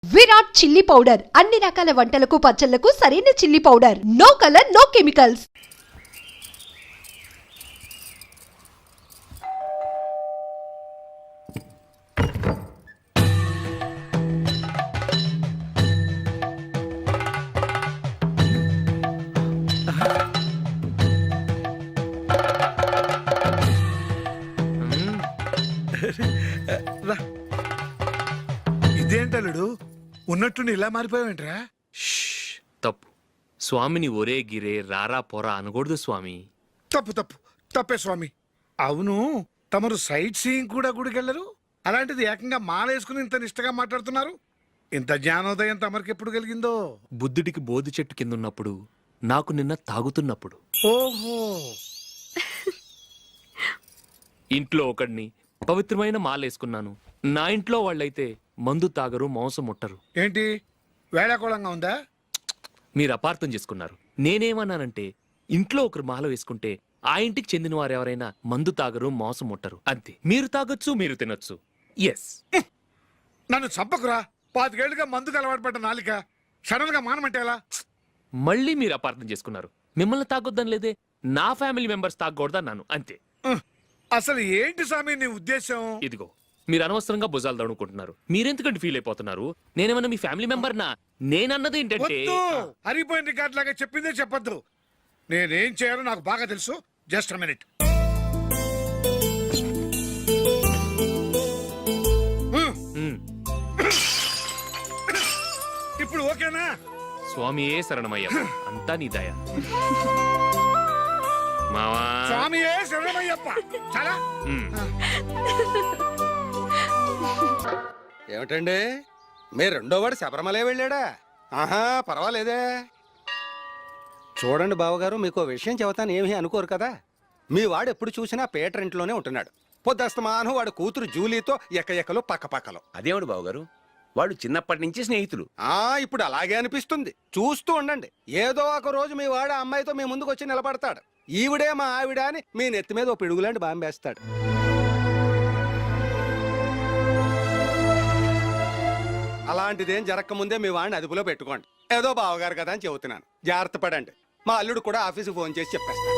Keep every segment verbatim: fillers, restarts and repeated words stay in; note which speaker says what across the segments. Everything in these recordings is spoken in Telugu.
Speaker 1: విరాట్ చిల్లీ పౌడర్ అన్ని రకాల వంటలకు పచ్చళ్లకు సరైన chilli powder. No colour no chemicals.
Speaker 2: ఇదేంటలుడు ఉన్నట్టుండి ఇలా మారిపోయావేంట్రా?
Speaker 3: తప్పు. స్వామిని ఒరే గిరే రారా పోరా అనకూడదు స్వామి.
Speaker 2: తప్పు తప్పు తప్పే స్వామి. అవును, తమరు సైట్ సీయింగ్ కూడా గుడికెళ్ళరు, అలాంటిది ఏకంగా మాలేసుకుని ఇంత నిష్టగా మాట్లాడుతున్నారు. ఇంత జ్ఞానోదయం తమరికి ఎప్పుడు కలిగిందో?
Speaker 3: బుద్ధుడికి బోధి చెట్టు కింద ఉన్నప్పుడు, నాకు నిన్న తాగుతున్నప్పుడు.
Speaker 2: ఓహో,
Speaker 3: ఇంట్లో ఒకడిని పవిత్రమైన మాలేసుకున్నాను. నా ఇంట్లో వాళ్ళైతే మందు తాగరు, మాంసం ముట్టరు.
Speaker 2: ఏంటి వేళాకోళంగా ఉందా?
Speaker 3: మీరు అపార్థం చేసుకున్నారు. నేనేమన్నానంటే, ఇంట్లో ఒకరు మాల వేసుకుంటే ఆ ఇంటికి చెందిన వారు ఎవరైనా మందు తాగరు, మాంసం ముట్టరు అంతే. మీరు తాగొచ్చు, మీరు తినొచ్చు. ఎస్.
Speaker 2: నన్ను చంపకురా. పాతికేళ్లుగా మందుకు అలవాటు పడ్డ నాలిక సడన్ గా మానమంటే ఎలా?
Speaker 3: మళ్ళీ మీరు అపార్థం చేసుకున్నారు. మిమ్మల్ని తాగొద్దని లేదే, నా ఫ్యామిలీ మెంబర్స్ తాగకూడదన్నాను అంతే.
Speaker 2: అసలు ఏంటి స్వామి నీ ఉద్దేశం?
Speaker 3: ఇదిగో, మీరు అనవసరంగా భుజాలు దడుకుంటున్నారు. మీరెందుకంటే ఫీల్ అయిపోతున్నారు? నేనేమన్నా మీ ఫ్యామిలీ మెంబర్ నా? నేనన్నది ఏంటంటే,
Speaker 2: హరిపోయిన రికార్డ్ లాగా చెప్పిందే చెప్పొద్దు. నేనేం చేయాలో నాకు బాగా తెలుసు. Just minute. ఇప్పుడు ఓకేనా?
Speaker 3: స్వామియే శరణమయ్య, అంతా నీ దయ. మావా
Speaker 2: స్వామియే శరణమయ్యప్ప. చాలా
Speaker 4: ఏమిటండి, మీ రెండో వాడు శబరిమలే వెళ్ళాడా? ఆహా, పర్వాలేదే. చూడండి బావగారు, మీకు విషయం చెబుతాను, ఏమీ అనుకోరు కదా. మీ వాడు ఎప్పుడు చూసినా పేటర్ ఇంట్లోనే ఉంటున్నాడు. పొద్దస్తమానం వాడు కూతురు జూలీతో ఎక్క ఎక్కలు పక్క పక్కలు.
Speaker 5: అదేమిడు బావగారు, వాళ్ళు చిన్నప్పటి నుంచి స్నేహితులు.
Speaker 4: ఆ ఇప్పుడు అలాగే అనిపిస్తుంది. చూస్తూ ఉండండి, ఏదో ఒక రోజు మీ వాడు ఆ అమ్మాయితో మీ ముందుకు వచ్చి నిలబడతాడు. ఈవిడే మా ఆవిడ అని మీ నెత్తి మీద ఓ పిడుగులాంటి బాంబేస్తాడు. అలాంటిదేం జరగకముందే మీ వాడిని అదుపులో పెట్టుకోండి. ఏదో బావగారు కదా అని చెబుతున్నాను, జాగ్రత్త పడండి. మా అల్లుడు కూడా ఆఫీసుకు ఫోన్ చేసి చెప్పేస్తాను.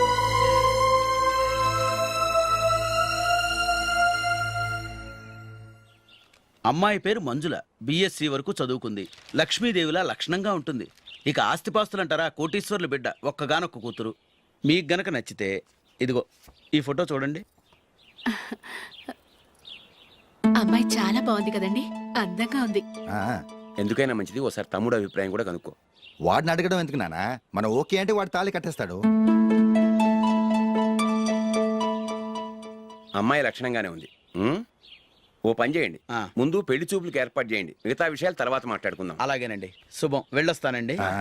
Speaker 6: అమ్మాయి పేరు మంజుల, బిఎస్సి వరకు చదువుకుంది. లక్ష్మీదేవిలా లక్షణంగా ఉంటుంది. ఇక ఆస్తిపాస్తులంటారా, కోటీశ్వర్ల బిడ్డ, ఒక్కగానొక్క కూతురు. మీకు గనక నచ్చితే ఇదిగో ఈ ఫోటో చూడండి.
Speaker 7: అమ్మాయి చాలా బాగుంది కదండి, అందంగా ఉంది.
Speaker 5: ఎందుకైనా మంచిది ఓసారి తమ్ముడు అభిప్రాయం కూడా కనుక్కో.
Speaker 8: వాడిని అడగడం ఎందుకు నాన్న? మనం ఓకే అంటే వాడు తాళి కట్టేస్తాడు.
Speaker 5: అమ్మాయి లక్షణంగానే ఉంది. ఉమ్? ఓ పని చేయండి,
Speaker 6: ఆ.
Speaker 5: ముందు పెళ్లి చూపులకు ఏర్పాటు చేయండి, మిగతా విషయాలు తర్వాత మాట్లాడుకుందాం.
Speaker 6: అలాగేనండి, శుభం, వెళ్ళొస్తానండి.
Speaker 8: ఆ.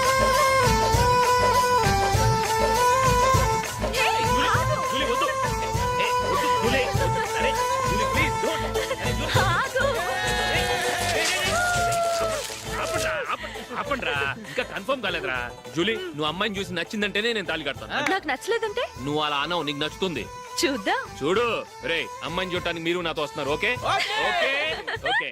Speaker 3: ఇంకా కన్ఫర్మ్ కాలేదురా. జూలీ, నువ్వు అమ్మాయిని చూసి నచ్చిందంటేనే నేను తాళి కడతాను.
Speaker 7: నాకు నచ్చలేదంటే
Speaker 3: నువ్వు అలా అనవు, నీకు నచ్చుతుంది.
Speaker 7: చూద్దాం.
Speaker 3: చూడు రే, అమ్మాయిని చూడటానికి మీరు నాతో వస్తున్నారు. Okay okay okay.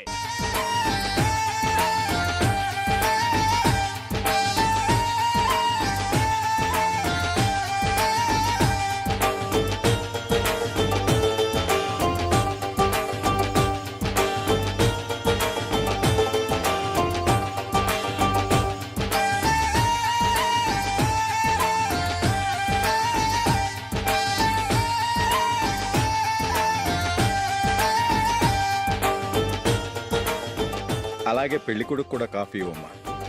Speaker 9: అలాగే పెళ్లి కొడుకు కూడా కాఫీ ఇవ్వమ్మా.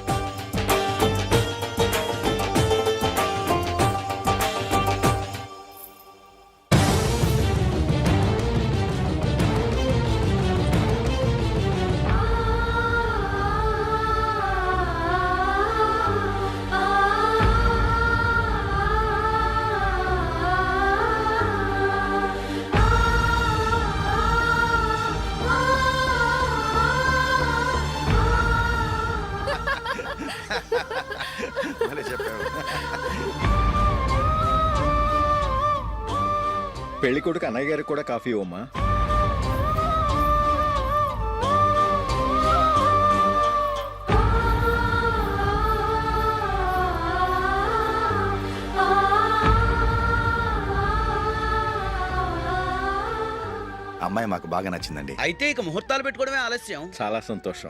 Speaker 9: పెళ్లి కొడుకు అన్నయ్య గారికి కూడా కాఫీ ఇవ్వమ్మా.
Speaker 8: అమ్మాయి మాకు బాగా నచ్చిందండి.
Speaker 6: అయితే ఇక ముహూర్తాలు పెట్టుకోవడమే ఆలస్యం.
Speaker 9: చాలా సంతోషం.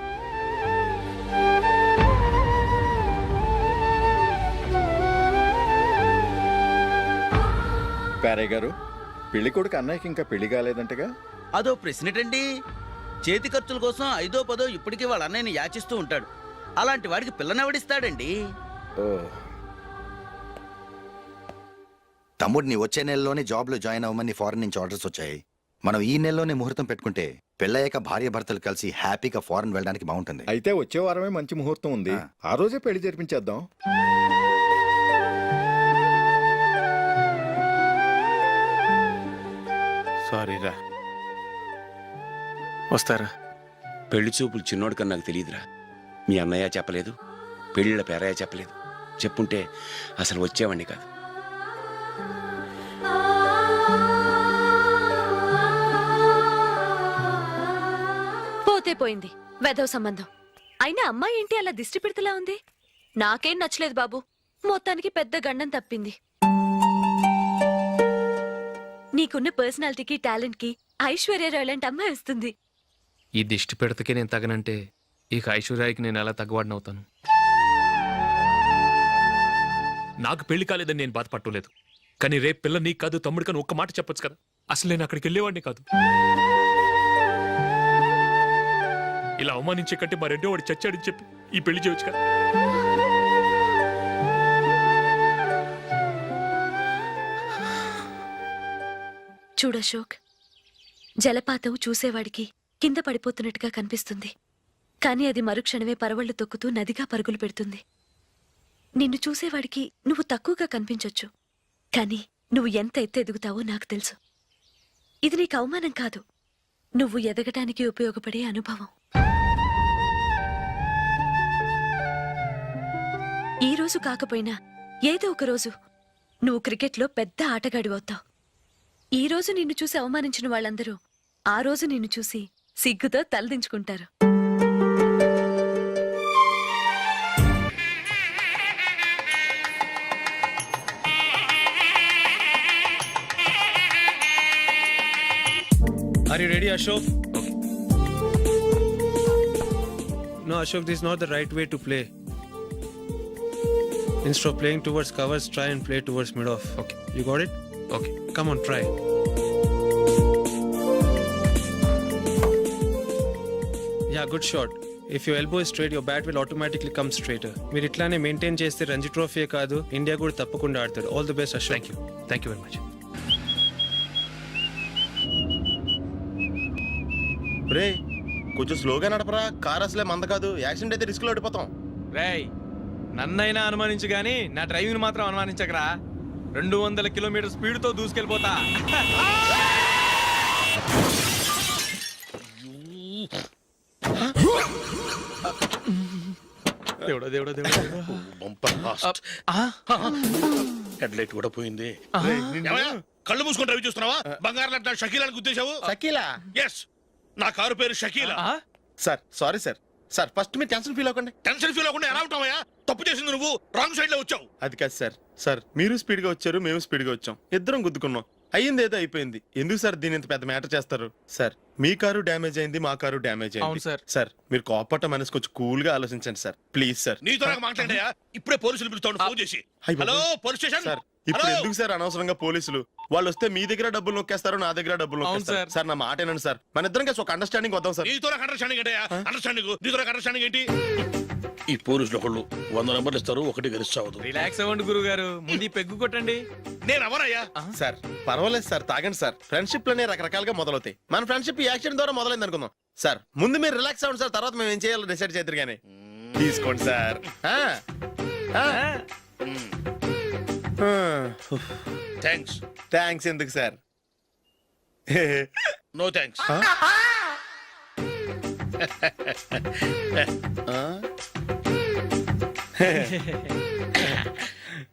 Speaker 9: పేరయ్య గారు, పెళ్లి కొడుకు అన్నయ్యకి ఇంకా పెళ్లి కాలేదంటగా?
Speaker 6: అదో ప్రశ్నటండి. చేతి ఖర్చుల కోసం ఐదో పదో ఇప్పటికీ వాళ్ళ అన్నయ్యని యాచిస్తూ ఉంటాడు. అలాంటి వాడికి పిల్లనెవడిస్తాడండి?
Speaker 9: ఓ,
Speaker 8: తమ్ముడిని వచ్చే నెలలోనే జాబ్ లో జాయిన్ అవ్వమని ఫారెన్ నుంచి ఆర్డర్స్ వచ్చాయి. మనం ఈ నెలలోనే ముహూర్తం పెట్టుకుంటే పెళ్ళయ్యాక భార్య భర్తలు కలిసి హ్యాపీగా ఫారెన్ వెళ్ళడానికి బాగుంటుంది.
Speaker 9: అయితే వచ్చే వారమే మంచి ముహూర్తం ఉంది.
Speaker 8: ఆ.
Speaker 9: ఆ రోజే పెళ్లి జరిపించేద్దాం.
Speaker 3: సారీరా. వస్తారా?
Speaker 5: పెళ్లి చూపులు చిన్నోడు కన్నా నాకు తెలియదురా. మీ అన్నయ్య చెప్పలేదు, పెళ్ళిళ్ళ పేరయ్య చెప్పలేదు. చెప్పుంటే అసలు వచ్చేవాడిని కాదు.
Speaker 7: పోతే పోయింది వెధవ సంబంధం. అయినా అమ్మాయి ఏంటి అలా దిష్టి పెడతలా ఉంది? నాకేం నచ్చలేదు బాబు. మొత్తానికి పెద్ద గండం తప్పింది. నీకున్న పర్సనాలిటీకి టాలెంట్ కి ఐశ్వర్యరావు లాంటి అమ్మాయి వస్తుంది.
Speaker 3: ఈ దిష్టి పెడతకే నేను తగనంటే ఇక ఐశ్వర్యానికి నేను ఎలా తగ్గవాడినవుతాను? నాకు పెళ్లి కాలేదని నేను బాధపట్టలేదు, కానీ రేపు పిల్ల నీకు కాదు తమ్ముడు కానీ ఒక్క మాట చెప్పొచ్చు కదా. అసలు నేను అక్కడికి వెళ్ళేవాడిని కాదు. ఇలా అవమానించే కంటే మా రెండో వాడు చచ్చాడని చెప్పి ఈ పెళ్లి చేయొచ్చు కదా.
Speaker 7: చూడశోక్, జలపాతం చూసేవాడికి కింద పడిపోతున్నట్టుగా కనిపిస్తుంది, కానీ అది మరుక్షణమే పరవళ్లు తొక్కుతూ నదిగా పరుగులు పెడుతుంది. నిన్ను చూసేవాడికి నువ్వు తక్కువగా కనిపించొచ్చు, కానీ నువ్వు ఎంత ఎత్తు ఎదుగుతావో నాకు తెలుసు. ఇది నీకు అవమానం కాదు, నువ్వు ఎదగటానికి ఉపయోగపడే అనుభవం. ఈ రోజు కాకపోయినా ఏదో ఒక రోజు నువ్వు క్రికెట్లో పెద్ద ఆటగాడివవుతావు. ఈ రోజు నిన్ను చూసి అవమానించిన వాళ్ళందరూ ఆ రోజు నిన్ను చూసి సిగ్గుతో తలదించుకుంటారు.
Speaker 10: Are you ready, Ashok? No, Ashok, this is not the right way to play. Instead of playing towards covers, try and play towards mid-off.
Speaker 3: Okay.
Speaker 10: You got it?
Speaker 3: Okay.
Speaker 10: Come on, try. Yeah, good shot. If your elbow is straight, your bat will automatically come straighter. మీరు ఇట్లానే మెయింటైన్ చేస్తే రంజీ ట్రోఫీ కాదు, ఇండియా కూడా తప్పకుండా ఆడతాడు. All the best, Ashok.
Speaker 3: Thank you thank you very much.
Speaker 11: రే కొంచెం స్లోగా నడపరా, కార్ అసలే మంద కాదు. యాక్సిడెంట్ అయితే రిస్క్ లో ఓడిపోతాం.
Speaker 10: రేయ్, నన్నైనా అనుమానించు గానీ నా డ్రైవింగ్ మాత్రం అనుమానించకరా. రెండు వందల కిలోమీటర్ స్పీడ్ తో దూసుకెళ్ళిపోతా. దేవుడా దేవుడా దేవుడా
Speaker 11: హెడ్ లైట్ కూడా పోయింది.
Speaker 2: కళ్ళు మూసుకొని రవి చూస్తున్నావా? బంగారం లాంటి షకీలాని గుర్తించావు?
Speaker 11: షకీలా?
Speaker 2: ఎస్, నా కారు పేరు Shakeela.
Speaker 11: Sir sorry sir. Sir first మీరు టెన్షన్ ఫీల్ అవ్వకండి.
Speaker 2: టెన్షన్ ఫీల్ అవ్వకుండా ఎలా ఉంటావయ్యా? తప్పు చేసింది నువ్వు, రాంగ్ సైడ్ లో వచ్చావు.
Speaker 11: అది కాదు సార్. సార్ మీరు స్పీడ్ గా వచ్చారు, మేము స్పీడ్ గా వచ్చాం, ఇద్దరం గుద్దుకున్నాం. అయ్యింది ఏదో అయిపోయింది. ఎందుకు సార్ దీని ఇంత పెద్ద మ్యాటర్ చేస్తారు? సార్ మీ కారు డ్యామేజ్ అయింది, మా కారు డ్యామేజ్ అయింది.
Speaker 10: అవును సార్.
Speaker 11: సార్ మీరు కోపట్ట మనసు కొంచెం కూల్ గా ఆలోచించండి సార్, ప్లీజ్ సార్.
Speaker 2: నీతో నాకు మాట్లాడాయా? ఇప్పుడే పోలీసులు పిలుస్తాను, ఫోన్ చేసి.
Speaker 11: అయ్ బాబోయ్.
Speaker 2: Hello police station.
Speaker 11: సార్ ఇప్పుడు
Speaker 2: హలో?
Speaker 11: ఎందుకు సార్ అనవసరంగా పోలీసులు? వాళ్ళు వస్తే మీ దగ్గర డబ్బులు నొక్కేస్తారు, నా దగ్గర డబ్బులు
Speaker 10: అవును
Speaker 11: నొక్కేస్తారు.
Speaker 10: సార్.
Speaker 11: సార్ నా మాట ఏనండి సార్, మన ఇద్దరం కలిసి ఒక అండర్స్టాండింగ్ వద్దాం సార్.
Speaker 2: నీతో నాకు అండర్స్టాండింగ్ ఏంటయ్యా? అండర్స్టాండింగ్ నీతో నాకు అండర్స్టాండింగ్ ఏంటి?
Speaker 12: ఈ పోలీసులు ఒకళ్ళు వంద నెంబర్లు ఇస్తారు, ఒకటి గెలిచావదు.
Speaker 10: రిలాక్స్ అవ్వండి గురువు గారు, ముందు ఈ పెగ్గు కొట్టండి.
Speaker 2: నేను ఎవరయ్యా?
Speaker 11: సార్ పర్వాలేదు సార్, తాగండి సార్. ఫ్రెండ్షిప్ లోనే రకరకాలుగా మొదలవుతాయి. మన ఫ్రెండ్షిప్ ఈ యాక్సిడెంట్ ద్వారా మొదలైంది అనుకుందాం. సార్ ముందు మీరు రిలాక్స్ అవ్వండి సార్, తర్వాత మేము ఏం చేయాలో డిసైడ్ చేద్దరు కానీ. తీసుకోండి సార్. ఆ, ఆ.
Speaker 2: థ్యాంక్స్.
Speaker 11: థ్యాంక్స్ ఎందుకు సార్?
Speaker 2: No thanks.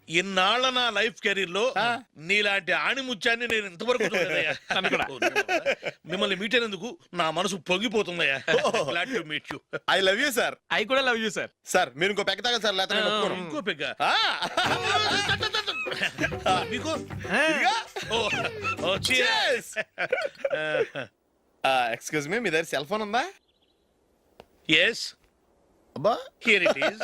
Speaker 12: ఇన్నాళ్ళ నా లైఫ్ కెరీర్ లో నీలాంటి ఆణిముత్యాన్ని నేను ఇంతవరకు చూడలేదయ్యా. మిమ్మల్ని మీట్ అయినందుకు నా మనసు పొంగిపోతుందయ్యా. Glad to meet you.
Speaker 11: I love you sir.
Speaker 3: I కూడా లవ్ యూ సార్.
Speaker 11: సార్ మీరు ఇంకో పెక్క తాగండి సార్, లేకపోతే నేను ఒప్పుకోను.
Speaker 12: ఇంకో పెగ్గ
Speaker 11: ఆ,
Speaker 12: మీకు
Speaker 11: ఇదిగో.
Speaker 12: ఓ, ఓ, cheers.
Speaker 11: ఆ, ఎక్స్క్యూజ్ మీ, మీ దగ్గర సెల్ ఫోన్ ఉందా?
Speaker 12: Yes,
Speaker 11: అబ్బా.
Speaker 12: here it is.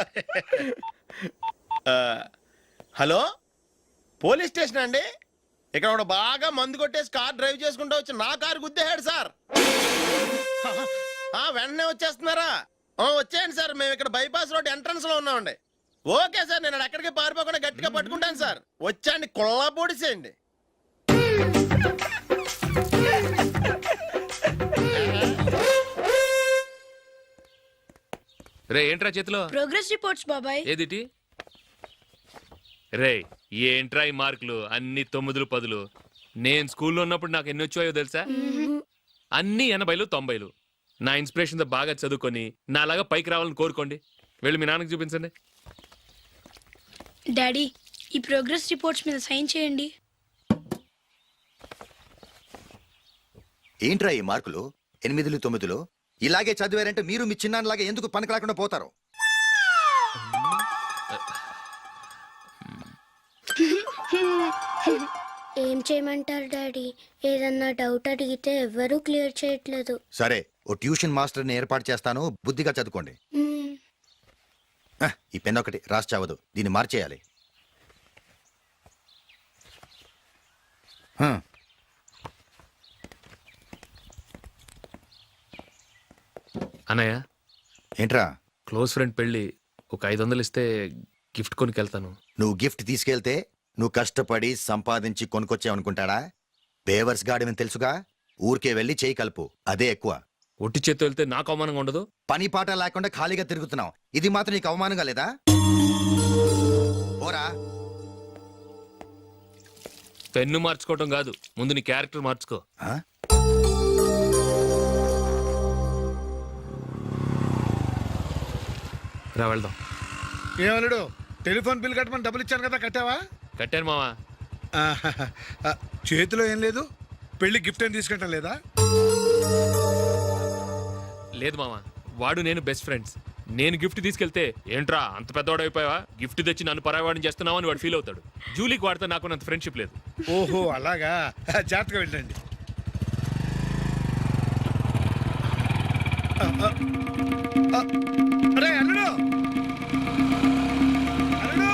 Speaker 11: ఆ, హలో, పోలీస్ స్టేషన్ అండి. ఇక్కడ ఒకడు బాగా మందు కొట్టేసి కార్ డ్రైవ్ చేసుకుంటూ వచ్చి నా కారు గుద్దేశాడు సార్. ఆ, వెంటనే వచ్చేస్తున్నారా? ఆ, వచ్చేయండి సార్, మేము ఇక్కడ బైపాస్ రోడ్ ఎంట్రన్స్ లో ఉన్నామండి. ఓకే సార్, నేను ఎక్కడికి పారిపోకుండా గట్టిగా పట్టుకుంటాను సార్. వచ్చాండి, కుళ్ళ పొడిసేయండి.
Speaker 3: రే ఏంట్రా చేతిలో?
Speaker 13: ప్రోగ్రెస్ రిపోర్ట్స్ బాబాయ్.
Speaker 3: ఏదిటి? రే ఏంట్రా ఈ మార్కులు అన్ని తొమ్మిదిలు పదులు? నేను స్కూల్లో ఉన్నప్పుడు నాకు ఎన్ని వచ్చాయో తెలుసా? అన్ని ఎనభైలు తొంభైలు. నా ఇన్స్పిరేషన్ తో బాగా చదువుకొని నాలాగా పైకి రావాలని కోరుకోండి. వెళ్ళి మీ నాన్నకి చూపించండి.
Speaker 13: డాడీ, ఈ ప్రోగ్రెస్ రిపోర్ట్స్ మీద సైన్ చేయండి.
Speaker 8: ఏంట్రా ఈ మార్కులు ఎనిమిదిలు తొమ్మిదిలు? ఇలాగే చదివారంటే మీరు మీ చిన్నాన్నలాగా ఎందుకు పనికి రాకుండా పోతారు?
Speaker 13: ఏం చేయమంటారు డాడీ? ఏదన్నా డౌట్ అడిగితే ఎవ్వరూ క్లియర్ చేయట్లేదు.
Speaker 8: సరే, ఓ ట్యూషన్ మాస్టర్ని ఏర్పాటు చేస్తాను, బుద్ధిగా చదువుకోండి. ఆ, ఈ పెన్ ఒకటి రాసి చావదు, దీన్ని మార్చేయాలి. హ.
Speaker 3: అన్నయ్య,
Speaker 8: ఏంట్రా?
Speaker 3: క్లోజ్ ఫ్రెండ్ పెళ్ళి ఒక ఐదు వందలు ఇస్తే గిఫ్ట్ కొనికెళ్తాను.
Speaker 8: నువ్వు గిఫ్ట్ తీసుకెళ్తే నువ్వు కష్టపడి సంపాదించి కొనుక్కొచ్చావనుకుంటాడా? బేవర్స్ గాడివని తెలుసుగా. ఊరికే వెళ్ళి చేయి కలుపు, అదే ఎక్కువ.
Speaker 3: ఒట్టి చేత్తో వెళ్తే నాకు అవమానంగా ఉండదు?
Speaker 8: పని పాట లేకుండా ఖాళీగా తిరుగుతున్నావు, ఇది మాత్రం నీకు అవమానంగా లేదా? ఓరా.
Speaker 3: పెన్ను మార్చుకోవటం కాదు, ముందు నీ క్యారెక్టర్ మార్చుకో.
Speaker 8: ఆ?
Speaker 3: రా వెళ్దాం.
Speaker 2: ఏమలుడు, టెలిఫోన్ బిల్ కట్టమని డబ్బులు ఇచ్చాను కదా, కట్టావా?
Speaker 3: కట్టాను మావా.
Speaker 2: ఆహాహా. ఆ, చేతిలో ఏం లేదు, పెళ్లి గిఫ్ట్ ఏం తీసుకుంటాం లేదా?
Speaker 3: లేదు మావా, వాడు నేను బెస్ట్ ఫ్రెండ్స్. నేను గిఫ్ట్ తీసుకెళ్తే ఏంట్రా అంత పెద్దవాడు అయిపోయావా, గిఫ్ట్ తెచ్చి నన్ను పరాయవాడిని చేస్తున్నావు అని వాడు ఫీల్ అవుతాడు. జూలీకి వాడితే నాకు అంత ఫ్రెండ్షిప్ లేదు.
Speaker 2: ఓహో అలాగా, జాగ్రత్తగా వెళ్ళండి. ఆ, ఆ, ఆ, అరే అల్లుడు, అల్లుడు,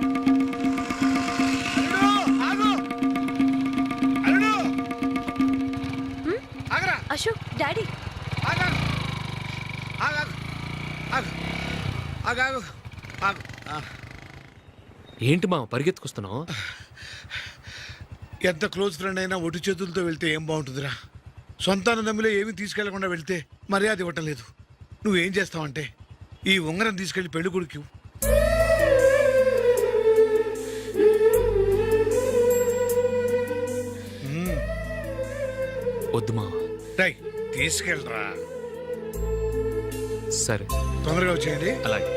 Speaker 2: అల్లుడు, ఆగు, అల్లుడు, ఆగరా,
Speaker 7: అశోక్, డాడీ.
Speaker 2: ఆగు, ఆగు, ఆగు, ఆగు, ఆగు, ఆగు. ఆ.
Speaker 3: ఏంటి మావ పరిగెత్తుకొస్తున్నావు?
Speaker 2: ఎంత క్లోజ్ ఫ్రెండ్ అయినా ఒటి చేతులతో వెళ్తే ఏం బాగుంటుందిరా? సొంతాన నమ్మిలో ఏమీ తీసుకెళ్లకుండా వెళ్తే మర్యాద ఇవ్వటం లేదు. నువ్వేం చేస్తావంటే ఈ ఉంగరం తీసుకెళ్లి పెళ్లి కొడుకు.
Speaker 3: వద్దు మావ.
Speaker 2: రై తీసుకెళ్ళరా.
Speaker 3: సరే
Speaker 2: తొందరగా వచ్చేయండి.
Speaker 3: అలాగే.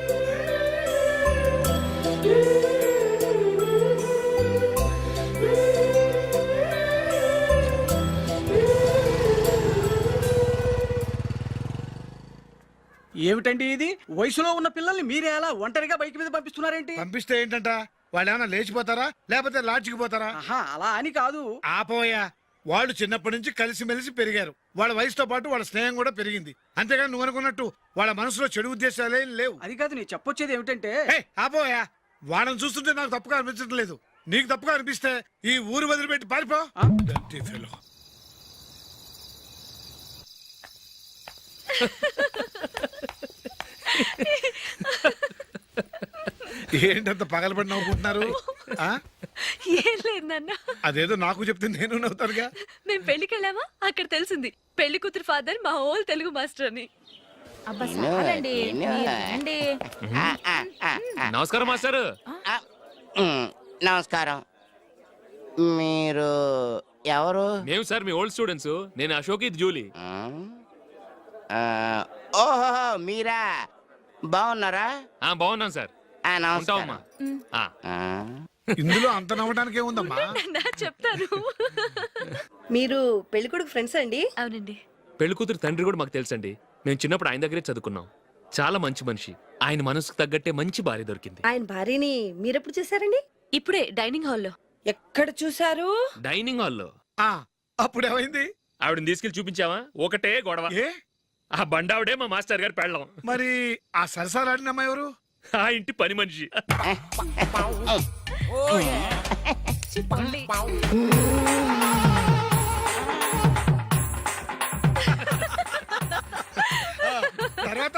Speaker 6: ఏమిటండి ఇది? వయసులో ఉన్న పిల్లల్ని మీరే అలా ఒంటరిగా బైక్ మీద పంపిస్తున్నారేంటి?
Speaker 2: పంపిస్తే ఏంటంట, వాళ్ళు ఏమైనా లేచిపోతారా లేకపోతే లాడ్జికి పోతారా?
Speaker 6: ఆహా, అలా అని కాదు.
Speaker 2: ఆపోయా, వాళ్ళు చిన్నప్పటి నుంచి కలిసిమెలిసి పెరిగారు. వాళ్ళ వయసుతో పాటు వాళ్ళ స్నేహం కూడా పెరిగింది. అంతేగాని నువ్వు అనుకున్నట్టు వాళ్ళ మనసులో చెడు ఉద్దేశాలేం లేవు.
Speaker 6: అది కాదు, నేను చెప్పొచ్చేది ఏమిటంటే,
Speaker 2: ఏయ్, ఆపోయా, వాళ్ళని చూస్తుంటే నాకు తప్పుగా అనిపించడం లేదు. నీకు తప్పుగా అనిపిస్తే ఈ ఊరు వదిలిపెట్టి పారిపో. Dirty fellow. ఏంటంత పగలబడి నవ్వుకుంటున్నారు? ఆ?
Speaker 7: ఏం లేదు నాన్న.
Speaker 2: అదేదో నాకు చెప్తే నేను నవ్వుతానుగా.
Speaker 7: మేము పెళ్లికి వెళ్ళామా, అక్కడ తెలిసింది పెళ్లి కూతురు ఫాదర్ మా హోల్ తెలుగు మాస్టర్ అని.
Speaker 3: నమస్కారం మాస్టర్.
Speaker 14: నమస్కారం. మీరు ఎవరు?
Speaker 3: మేము సార్ మీ ఓల్డ్ స్టూడెంట్స్. నేను అశోక్, ఇది జూలీ.
Speaker 14: ఓహో, మీరా? బాగున్నారా?
Speaker 3: బాగున్నాను సార్.
Speaker 14: ఆ, నమస్కారం.
Speaker 3: ఉంటావమ్మా ఆ.
Speaker 14: ఆ,
Speaker 2: ఇందులో అంత నవ్వడానికి ఏముందమ్మా?
Speaker 7: నా చెప్తాను.
Speaker 15: మీరు పెళ్ళికొడుకు ఫ్రెండ్స్ అండి?
Speaker 7: అవునండి.
Speaker 3: పెళ్లి కూతురు తండ్రి కూడా మాకు తెలుసండి. మేము చిన్నప్పుడు ఆయన దగ్గరే చదువుకున్నాం. చాలా మంచి మనిషి. ఆయన మనసుకు తగ్గట్టే మంచి భార్య దొరికింది.
Speaker 15: ఆయన భార్యని మీరెప్పుడు చూసారండి?
Speaker 7: ఇప్పుడే డైనింగ్ హాల్లో.
Speaker 15: ఎక్కడ చూసారు?
Speaker 3: డైనింగ్ హాల్లో.
Speaker 2: ఆ, అప్పుడు ఏమైంది?
Speaker 3: ఆవిడని తీసుకెళ్లి చూపించావా? ఒకటే గొడవ.
Speaker 2: ఏ
Speaker 3: ఆ బండావిడే మా మాస్టర్ గారు పెళ్ళం.
Speaker 2: మరి ఆ సరసాలాడిన అమ్మాయి ఎవరు?
Speaker 3: ఆ ఇంటి పని మనిషి.
Speaker 2: తర్వాత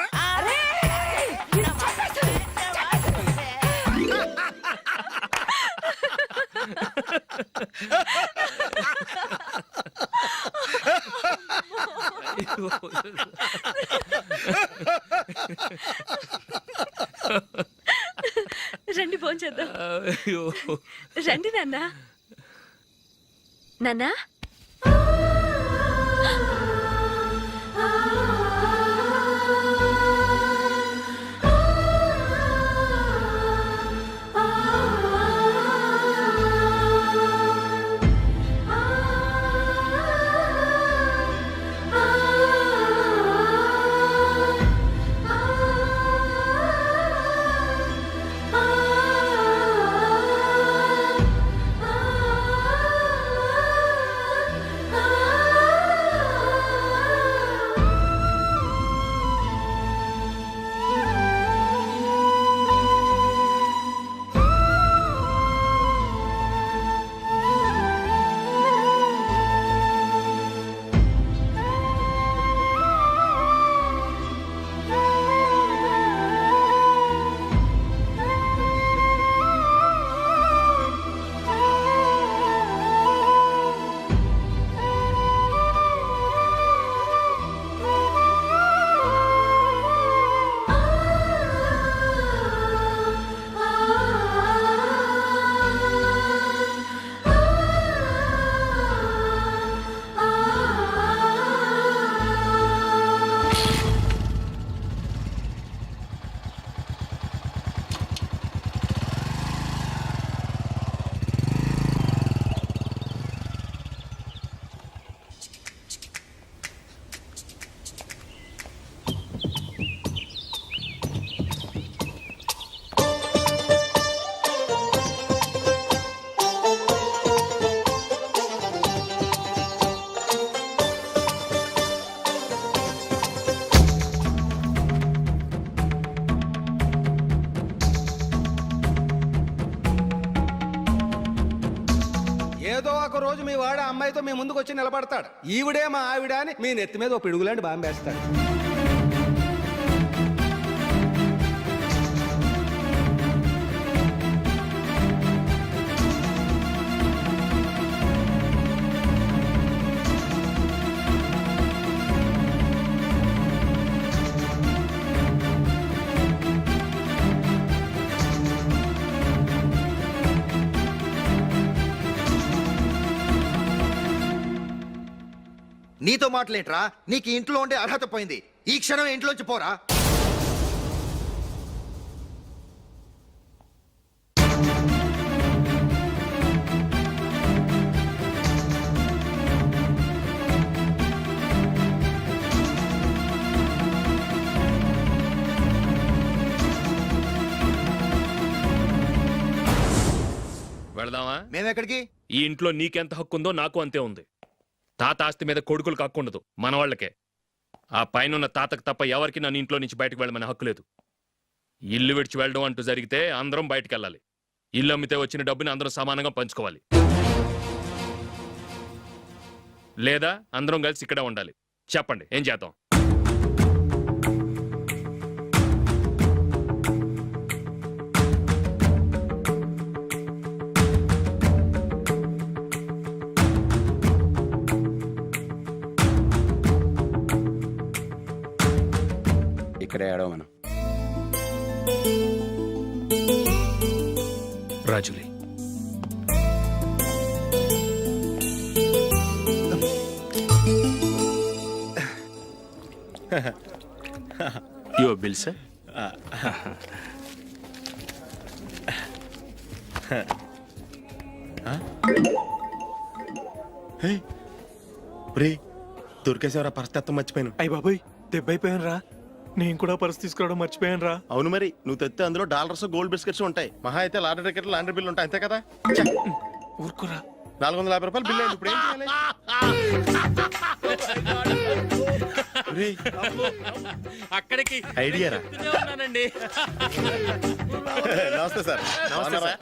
Speaker 7: రండి భోంచేద్దాం.
Speaker 3: అయ్యో.
Speaker 7: రండి నాన్న. నాన్నా
Speaker 4: ఏదో ఒక రోజు మీ వాడు ఆ అమ్మాయితో మీ ముందుకు వచ్చి నిలబడతాడు. ఈవిడే మా ఆవిడ అని మీ నెత్తి మీద ఓ పిడుగులాంటి బాంబేస్తాడు.
Speaker 8: నీతో మాటలేట్రా? నీకు ఇంట్లో ఉండే అర్హత పోయింది. ఈ క్షణం ఇంట్లోంచి పోరా.
Speaker 3: వెళదామా?
Speaker 8: మేమెక్కడికి?
Speaker 3: ఈ ఇంట్లో నీకెంత హక్కు ఉందో నాకు అంతే ఉంది. తాత ఆస్తి మీద కొడుకులకు హక్కు ఉండదు, మన వాళ్ళకే. ఆ పైన తాతకు తప్ప ఎవరికి నన్ను ఇంట్లో నుంచి బయటకు వెళ్ళమని హక్కు లేదు. ఇల్లు విడిచి వెళ్ళడం అంటూ జరిగితే అందరం బయటకు వెళ్ళాలి. ఇల్లు అమ్మితే వచ్చిన డబ్బుని అందరం సమానంగా పంచుకోవాలి. లేదా అందరం కలిసి ఇక్కడే ఉండాలి. చెప్పండి, ఏం చేద్దాం?
Speaker 5: ఇక్కడే ఏడవమను.
Speaker 3: రాజులీ,
Speaker 5: యువర్ బిల్ సార్.
Speaker 11: రే దొరికేసేవరా పరిస్థితి మర్చిపోయాను.
Speaker 10: అయ్యి బాబాయ్ దెబ్బైపోయాను రా. నేను కూడా పర్స్ తీసుకురావడం మర్చిపోయాను రా.
Speaker 11: అవును మరి నువ్వు తెస్తే అందులో డాలర్స్ గోల్డ్ బిస్కెట్స్ ఉంటాయి. మహా అయితే లాటరీ టికెట్ లాండ్రీ బిల్లు ఉంటాయి, అంతే కదా.
Speaker 10: ఊరుకురా.
Speaker 11: నాలుగు వందల యాభై రూపాయలు బిల్లు అయింది. ఇప్పుడు ఏం చేయాలి? రేయ్,
Speaker 3: అక్కడికి
Speaker 11: ఐడియా రా.
Speaker 3: ఉన్నానండి.
Speaker 11: నమస్తే సార్.
Speaker 3: నమస్తే సార్.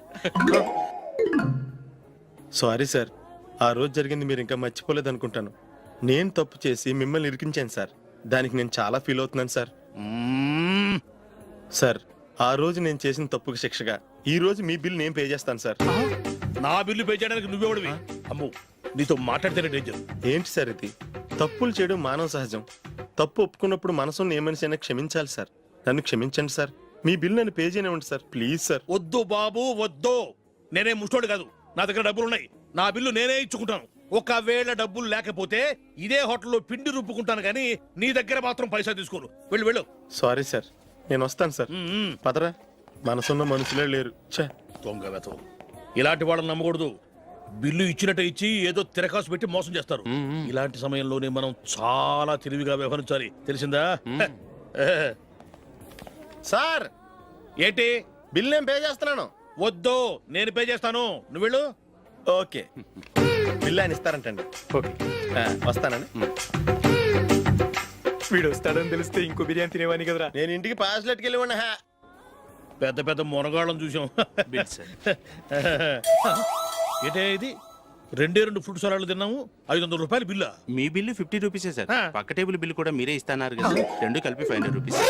Speaker 11: సారీ సార్, ఆ రోజు జరిగింది మీరు ఇంకా మర్చిపోలేదు అనుకుంటాను. నేను తప్పు చేసి మిమ్మల్ని ఇరికించాను సార్. దానికి నేను చాలా ఫీల్ అవుతున్నాను సార్. సార్, ఆ రోజు నేను చేసిన తప్పుకి శిక్షగా ఈ రోజు మీ బిల్ నేను పే చేస్తాను సార్.
Speaker 12: నా బిల్లు పే చేయడానికి నువ్వెవడివి? అమ్ము, నీతో మాట్లాడితేనే డేంజర్.
Speaker 11: ఏంటి సార్ ఇది? తప్పులు చేయడం మానవ సహజం. తప్పు ఒప్పుకున్నప్పుడు మనసుని ఏ మనిషి అయినా క్షమించాలి సార్. నన్ను క్షమించండి సార్. మీ బిల్ నన్ను పే చేయనివ్వండి సార్, ప్లీజ్ సార్.
Speaker 12: వద్దు బాబు వద్దు. నేనే ముష్టోడు కాదు, నా దగ్గర డబ్బులు ఉన్నాయి. నా బిల్లు నేనే ఇచ్చుకుంటాను. ఒకవేళ డబ్బులు లేకపోతే ఇదే హోటల్లో పిండి రుబ్బుకుంటాను, కానీ నీ దగ్గర మాత్రం పైసా తీసుకోను. వెళ్ళు వెళ్ళు.
Speaker 11: సారీ సార్, నేను వస్తాను సార్. పదరా, మనసున్న మనుషులే లేరు. ఛే,
Speaker 12: దొంగ వెతవు. ఇలాంటి వాళ్ళని నమ్మకూడదు. బిల్లు ఇచ్చినట్టు ఇచ్చి ఏదో తిరకాసు పెట్టి మోసం చేస్తారు. ఇలాంటి సమయంలోనే మనం చాలా తెలివిగా వ్యవహరించాలి, తెలిసిందా?
Speaker 11: సార్
Speaker 12: ఏంటి?
Speaker 11: బిల్ నేను పే చేస్తున్నాను.
Speaker 12: వద్దు, నేను పే చేస్తాను, నువ్వు వెళ్ళు.
Speaker 11: ఓకే, బిల్ ఆయన ఇస్తారంటండి. ఓకే, వస్తానండి.
Speaker 10: వీడు వస్తాడని తెలిస్తే ఇంకో బిర్యానీ తినేవాని కదరా.
Speaker 11: నేను ఇంటికి పాస్లెట్కి వెళ్ళి ఉన్నా.
Speaker 12: పెద్ద పెద్ద మునగాళ్ళం చూసాం. ఏంటే ఇది? రెండే రెండు ఫుడ్ సలాడ్లు తిన్నాము, ఐదు వందల రూపాయలు బిల్లా?
Speaker 6: మీ బిల్లు ఫిఫ్టీ రూపీసే సార్. పక్క టేబుల్ బిల్లు కూడా మీరే ఇస్తున్నారు కదా, రెండు కలిపి ఫైవ్ హండ్రెడ్ రూపీస్.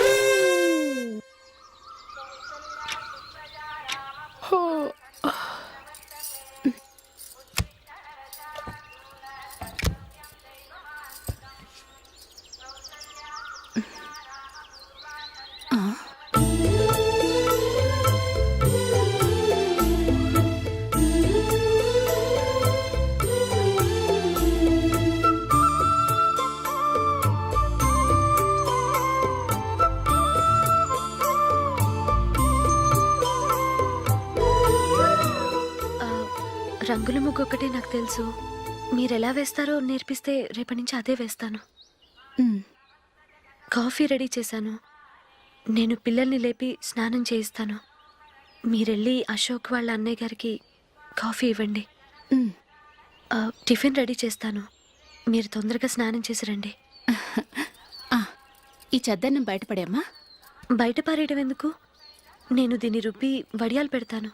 Speaker 7: రంగుల ముగ్గు ఒకటే నాకు తెలుసు. మీరెలా వేస్తారో నేర్పిస్తే రేపటి నుంచి అదే వేస్తాను. కాఫీ రెడీ చేశాను. నేను పిల్లల్ని లేపి స్నానం చేయిస్తాను. మీరెళ్ళి అశోక్ వాళ్ళ అన్నయ్య గారికి కాఫీ ఇవ్వండి. ఆ, టిఫిన్ రెడీ చేస్తాను. మీరు తొందరగా స్నానం చేసి రండి.
Speaker 1: ఈ చద్దన్నం బయటపడేమ్మా.
Speaker 7: బయట పారేయడం ఎందుకు? నేను దీన్ని రుబ్బి వడియాలు పెడతాను.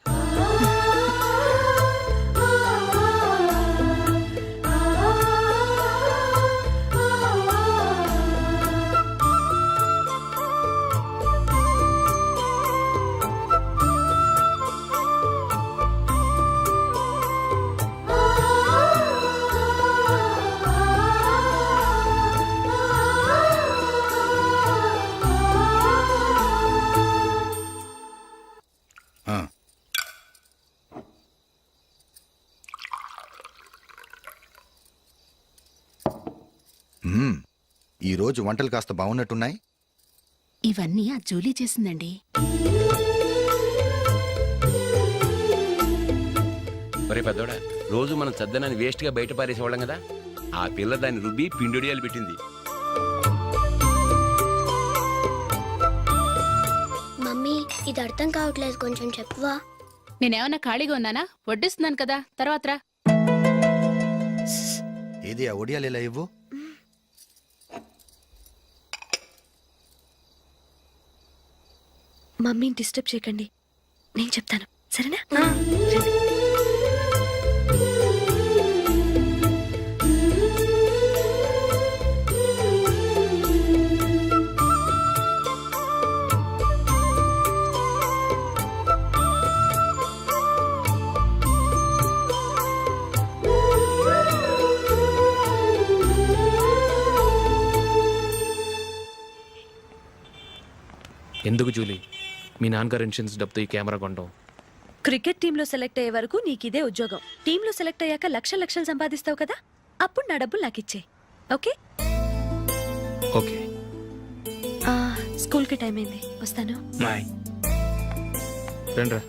Speaker 8: మ్మ్. ఈ రోజు వంటలు కాస్త బాగున్నట్టున్నాయి.
Speaker 1: ఇవన్నీ ఆ జూలీ చేసిందండి.
Speaker 5: ఒరే పెద్దోడా, రోజు మనం చద్దనాన్ని వేస్ట్ గా బయట పారేసేవాళ్ళం కదా, ఆ పిల్ల దాన్ని రుబ్బి పిండొడియాలు పెట్టింది.
Speaker 13: మమ్మీ ఇది అర్థం కావట్లేదు, కొంచెం చెప్పువా.
Speaker 1: నేనేమన్నా ఖాళీగా ఉన్నానా? వడ్డిస్తున్నాను కదా, తర్వాత రా.
Speaker 8: ఏది ఆ ఒడియాలు ఇలా ఇవ్వు.
Speaker 7: మమ్మీని డిస్టర్బ్ చేయకండి, నేను చెప్తాను, సరేనా? రండి.
Speaker 3: ఎందుకు జూలీ మీ నాన్నగారు ఇన్సూరెన్స్ డబ్బుతో ఈ కెమెరా కొంటాం?
Speaker 7: క్రికెట్ టీంలో సెలెక్ట్ అయ్యే వరకు నీకు ఇదే ఉద్యోగం. టీంలో సెలెక్ట్ అయ్యాక లక్షల లక్షలు సంపాదిస్తావు కదా, అప్పుడు నా డబ్బులు నాకు ఇచ్చే. Okay
Speaker 3: okay.
Speaker 7: స్కూల్కి టైం అయింది, వస్తాను.
Speaker 3: బాయ్. రండ్రా.